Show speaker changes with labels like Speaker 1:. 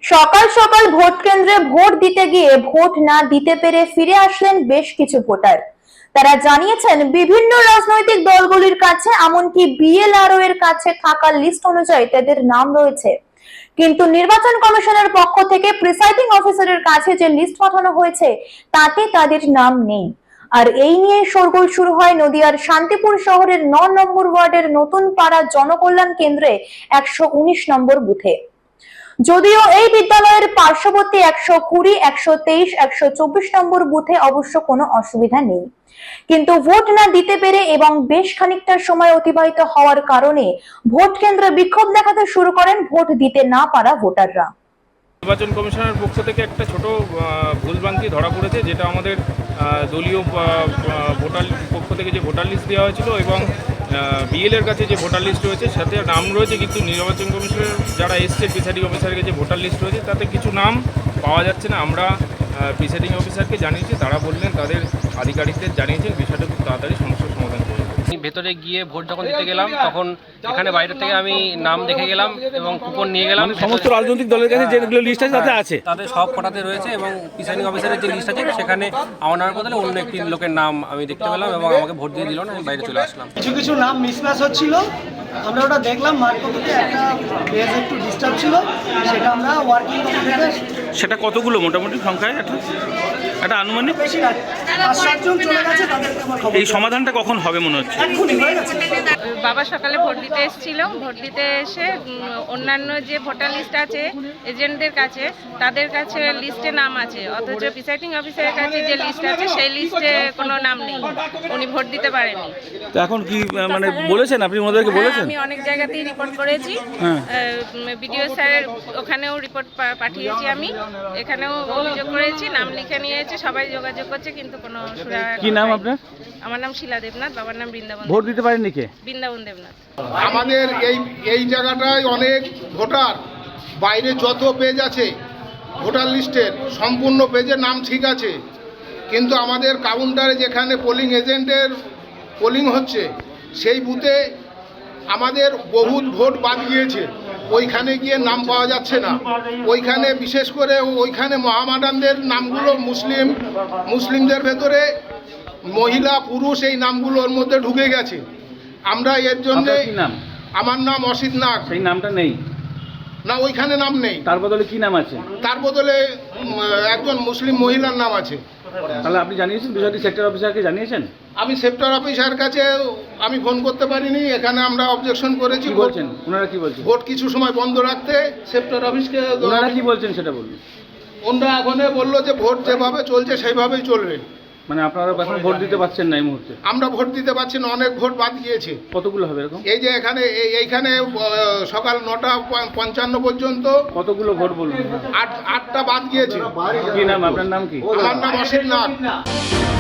Speaker 1: সকাল সকাল ভোট কেন্দ্রে ভোট দিতে গিয়ে ভোট না দিতে পেরে ফিরে আসলেন বেশ কিছু ভোটার। তারা জানিয়েছেন বিভিন্ন রাজনৈতিক দলগুলির কাছে এমনকি বিএলআরও এর কাছে থাকা লিস্ট অনুযায়ী তাদের নাম রয়েছে, কিন্তু নির্বাচন কমিশনের পক্ষ থেকে প্রিসাইডিং অফিসারের কাছে যে লিস্ট পাঠানো হয়েছে তাতে তাদের নাম নেই। আর এই নিয়ে শোরগোল শুরু হয় নদিয়ার শান্তিপুর শহরের ৯ নম্বর ওয়ার্ডের নতুন পাড়া জনকল্যাণ কেন্দ্রে ১১৯ নম্বর বুথে। যদিও এই বিদ্যালয়ের পার্শ্ববর্তী ১২০, ১২৩, ১২৪ নম্বর বুথে অবশ্য কোনো অসুবিধা নেই, কিন্তু ভোট না দিতে পেরে এবং বেশ খানিকটা সময় অতিবাহিত হওয়ার কারণে ভোট কেন্দ্রে বিক্ষোভ দেখাতে শুরু করেন ভোট দিতে না পারা ভোটাররা।
Speaker 2: নির্বাচন কমিশনের পক্ষ থেকে একটা ছোট ভুলভ্রান্তি ধরা পড়েছে, যেটা আমাদের দলীয় ভোটার পক্ষ থেকে যে ভোটার লিস্ট দেওয়া হয়েছিল এবং বিএলের কাছে যে ভোটার লিস্ট রয়েছে সাথে নাম রয়েছে, কিন্তু নির্বাচন কমিশনের যারা এসছে প্রিসাইডিং অফিসারের কাছে ভোটার লিস্ট রয়েছে তাতে কিছু নাম পাওয়া যাচ্ছে না। আমরা প্রিসাইডিং অফিসারকে জানিয়েছি, তারা বললেন তাদের আধিকারিকদের জানিয়েছেন বিষয়টা খুব তাড়াতাড়ি সমস্যার সমাধান করে।
Speaker 3: ভেতরে গিয়ে ভোট যখন দিতে গেলাম তখন এখানে বাইরে থেকে আমি নাম দেখে গেলাম এবং কুপন নিয়ে গেলাম।
Speaker 4: সমস্ত রাজনৈতিক দলের কাছে যেগুলো লিস্ট আছে তাতে আছে,
Speaker 3: তাদের সব কটাতে রয়েছে এবং প্রিসাইডিং অফিসারের যে লিস্ট আছে সেখানে আমার নামের বদলে অন্য একটি লোকের নাম আমি দেখতে পেলাম এবং আমাকে ভোট দিয়ে দিল না, আমি বাইরে চলে আসলাম।
Speaker 5: কিছু নাম মিসম্যাচ হচ্ছিল, আমরা ওটা দেখলাম মার্ক কপিতে একটা পেজ একটু ডিস্টার্ব ছিল, সেটা আমরা ওয়ার্কিং কপি থেকে
Speaker 4: সেটা কতগুলো মোটামুটি সংখ্যায় একটা আনুমানিক
Speaker 5: বেশি না ৫-৭ জন চলে গেছে, তাদেরকে আমার খবর।
Speaker 4: এই সমাধানটা কখন হবে মনে হচ্ছে?
Speaker 5: এক্ষুনি হয়ে গেছে।
Speaker 6: বাবা সকালে ভোট দিতে এসেছিল, ভোট দিতে এসে অন্যান্য যে ভোটার লিস্ট আছে এজেন্টদের কাছে, তাদের কাছে লিস্টে নাম আছে, অথচ প্রিসাইডিং অফিসারের কাছে যে লিস্ট আছে সেই লিস্টে কোনো নাম নেই, উনি ভোট দিতে পারেনি।
Speaker 4: তো এখন কি মানে বলেছেন আপনি ওনাদেরকে বলেছেন?
Speaker 6: আমি অনেক জায়গাতেই রিপোর্ট করেছি, বিডিও স্যারের ওখানেও রিপোর্ট পাঠিয়েছি, আমি এখানেও অভিযোগ করেছি, নাম লিখে নিয়েছে, সবাই যোগাযোগ করছে, কিন্তু কোনো
Speaker 4: কি নাম আপনার?
Speaker 6: আমার নাম শিলা দেবনাথ, বাবার নাম বৃন্দাবন।
Speaker 4: ভোট দিতে পারেননি কে?
Speaker 6: বৃন্দাবন দেবনাথ।
Speaker 7: আমাদের এই জায়গাটায় অনেক ভোটার, বাইরে যত পেজ আছে ভোটার লিস্টের সম্পূর্ণ পেজের নাম ঠিক আছে, কিন্তু আমাদের কাউন্টারে যেখানে পোলিং এজেন্টের পোলিং হচ্ছে সেই বুথে আমাদের বহুত ভোট বাদ গিয়েছে, ওইখানে গিয়ে নাম পাওয়া যাচ্ছে না। ওইখানে বিশেষ করে ওইখানে মহামাডানদের নামগুলো মুসলিমদের ভেতরে মহিলা পুরুষ এই নামগুলো ওর মধ্যে ঢুকে গেছে। আমরা এর জন্য, আমার নাম অসিত নাগ।
Speaker 4: সেই নামটা নেই
Speaker 7: না, ওইখানে নাম নেই।
Speaker 4: তার বদলে কি নাম আছে?
Speaker 7: তার বদলে একজন মুসলিম মহিলার নাম আছে।
Speaker 4: তাহলে আপনি জানিয়েছেন বিষয়টি সেক্টর অফিসারকে জানিয়েছেন?
Speaker 7: আমি সেক্টর অফিসার কাছে আমি ফোন করতে পারিনি, এখানে আমরা অবজেকশন করেছি।
Speaker 4: বলছেন ওনারা কি বলছেন?
Speaker 7: ভোট কিছু সময় বন্ধ রাখতে সেক্টর অফিসকে।
Speaker 4: ওনারা কি বলছেন সেটা বলুন।
Speaker 7: ওনারা এখন বললো যে ভোট যেভাবে চলছে সেইভাবেই চলবে।
Speaker 4: মানে আপনারা এখন ভোট দিতে পারছেন না এই মুহূর্তে?
Speaker 7: আমরা ভোট দিতে পারছি না, অনেক ভোট বাদ গিয়েছে।
Speaker 4: কতগুলো হবে এরকম?
Speaker 7: এই যে এইখানে সকাল ৯:৫৫ পর্যন্ত
Speaker 4: কতগুলো ভোট বলুন?
Speaker 7: ৮টা বাদ গিয়েছে।
Speaker 4: কি নাম আপনার? নাম কি?
Speaker 7: আমার নাম অসিত নাগ।